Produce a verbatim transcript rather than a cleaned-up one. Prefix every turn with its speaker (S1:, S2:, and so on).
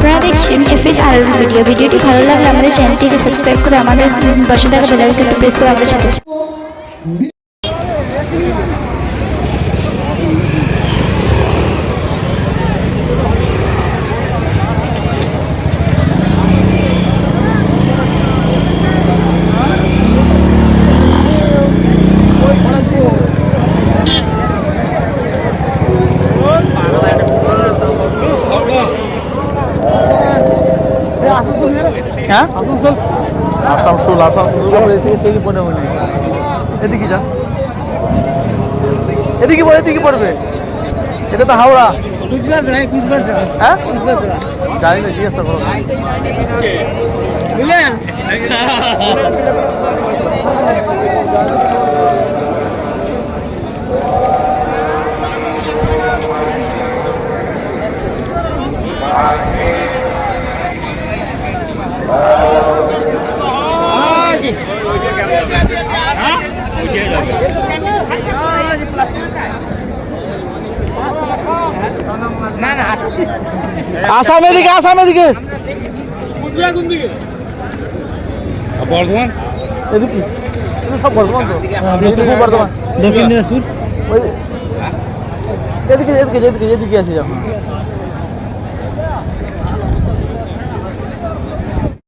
S1: আপনারা দেখছেন এফএস আর ভিডিও। ভিডিওটি ভালো লাগলে আমাদের চ্যানেলটিকে সাবস্ক্রাইব করে আমাদের পাশে থাকা বেল আইকনটি প্রেস করে আমাদের সাথে
S2: হ্যাঁ আসানসোল আসানসোল আসানসোল সেই পড়ে মনে এদিকে যা এদিকে পড়ে এদিকে পড়বে এটা তো হাওড়া হ্যাঁ জানি না জিজ্ঞাসা করো বুঝলেন আসাম এদিকে আসাম এদিকে বর্ধমান এদিকে সব বর্ধমান বর্ধমান দক্ষিণ দিনাজপুর এদিকে এদিকে এদিকে এদিকে আছে